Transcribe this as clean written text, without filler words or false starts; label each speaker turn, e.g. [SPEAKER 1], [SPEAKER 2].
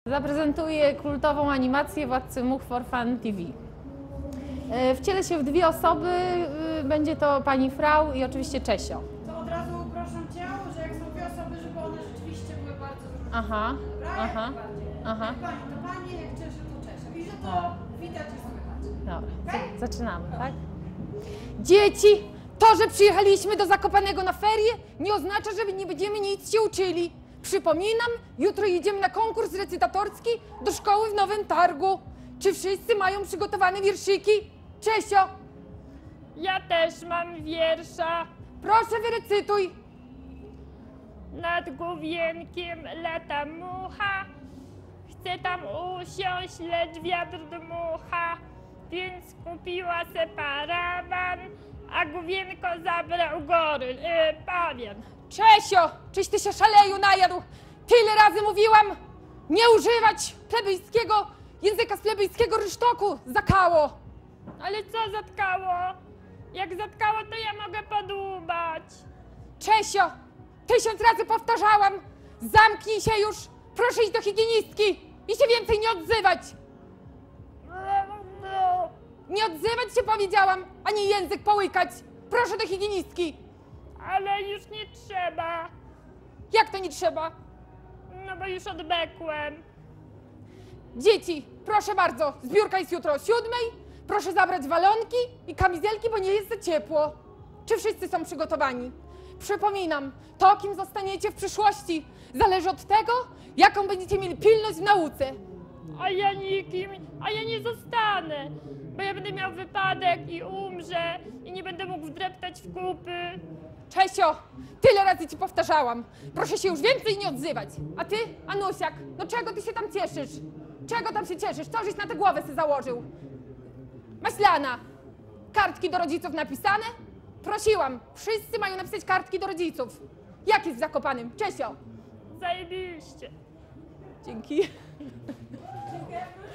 [SPEAKER 1] Zaprezentuję kultową animację Władcy Much for Fun TV. Wcielę się w dwie osoby, będzie to pani Frau i oczywiście Czesio.
[SPEAKER 2] To od razu proszę Cię, że jak są dwie osoby, żeby one rzeczywiście były bardzo różne.
[SPEAKER 1] Aha,
[SPEAKER 2] Dobra?
[SPEAKER 1] aha,
[SPEAKER 2] Jak najbardziej.
[SPEAKER 1] aha.
[SPEAKER 2] Jak pani to pani, jak Czesio to Czesio. I że to widać i słychać.
[SPEAKER 1] Dobra,
[SPEAKER 2] Okej?
[SPEAKER 1] zaczynamy, tak? Dzieci, to, że przyjechaliśmy do Zakopanego na ferie, nie oznacza, że nie będziemy nic się uczyli. Przypominam, jutro jedziemy na konkurs recytatorski do szkoły w Nowym Targu. Czy wszyscy mają przygotowane wierszyki? Czesio,
[SPEAKER 3] Ja też mam wiersza.
[SPEAKER 1] proszę wyrecytuj.
[SPEAKER 3] Nad główienkiem lata mucha. Chce tam usiąść, lecz wiatr dmucha. Więc kupiła se parawan, a główienko zabrał pawian.
[SPEAKER 1] Czesio, czyś ty się szaleju najadł? Tyle razy mówiłam, nie używać plebejskiego języka z plebejskiego rysztoku. Zakało.
[SPEAKER 3] Ale co zatkało? Jak zatkało, to ja mogę podłubać.
[SPEAKER 1] Czesio, 1000 razy powtarzałam, zamknij się już, proszę iść do higienistki i się więcej nie odzywać. Nie odzywać się powiedziałam, ani język połykać. Proszę do higienistki.
[SPEAKER 3] Ale już nie trzeba,
[SPEAKER 1] Jak to nie trzeba?
[SPEAKER 3] no bo już odbekłem.
[SPEAKER 1] Dzieci, proszę bardzo, zbiórka jest jutro o 7:00. Proszę zabrać walonki i kamizelki, bo nie jest za ciepło. Czy wszyscy są przygotowani? Przypominam, to kim zostaniecie w przyszłości zależy od tego, jaką będziecie mieli pilność w nauce.
[SPEAKER 3] A ja nie zostanę, bo ja będę miał wypadek i umrze i nie będę mógł wdreptać w kupy.
[SPEAKER 1] Czesio, tyle razy ci powtarzałam. Proszę się już więcej nie odzywać. A ty, Anusiak, no czego ty się tam cieszysz? Czego tam się cieszysz? Co żeś na tę głowę sobie założył? Maślana, kartki do rodziców napisane? Prosiłam, wszyscy mają napisać kartki do rodziców. Jak jest w Zakopanym? Czesio.
[SPEAKER 3] Zajebiście.
[SPEAKER 1] Dzięki.
[SPEAKER 2] Dziękuję.